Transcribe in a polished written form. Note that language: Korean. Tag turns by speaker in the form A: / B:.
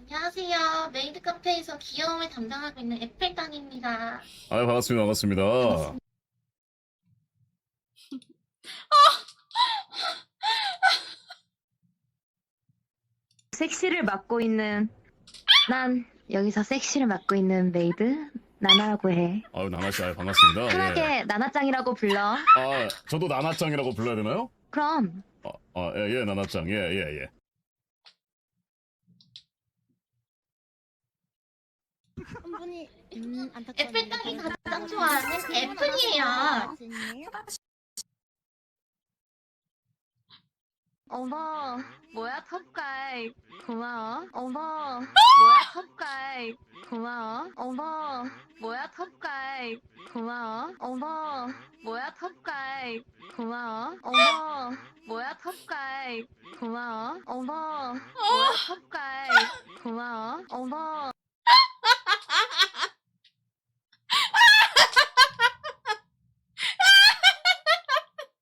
A: 안녕하세요. 메이드 카페에서 귀여움을 담당하고 있는 에펠당입니다.
B: 아유, 반갑습니다. 반갑습니다.
A: 반갑습니다.
C: 섹시를 맡고 있는 난 여기서 섹시를 맡고 있는 메이드 나나라고 해.
B: 아유, 나나씨, 아유, 반갑습니다.
C: 편하게
B: 예.
C: 나나짱이라고 불러.
B: 아, 저도 나나짱이라고 불러야 되나요?
C: 그럼
B: 예, 나나짱. 예.
D: 한 분이
A: 에펠당이 가장 좋아하는 애플이에요.
C: 어머 뭐야 톱가이 고마워. 어머 뭐야 톱가이 고마워. 어머 뭐야 톱가이 고마워. 어머 뭐야 톱가이 고마워. 어머 뭐야 톱가이 고마워. 어머 뭐야 톱가이 고마워. 어머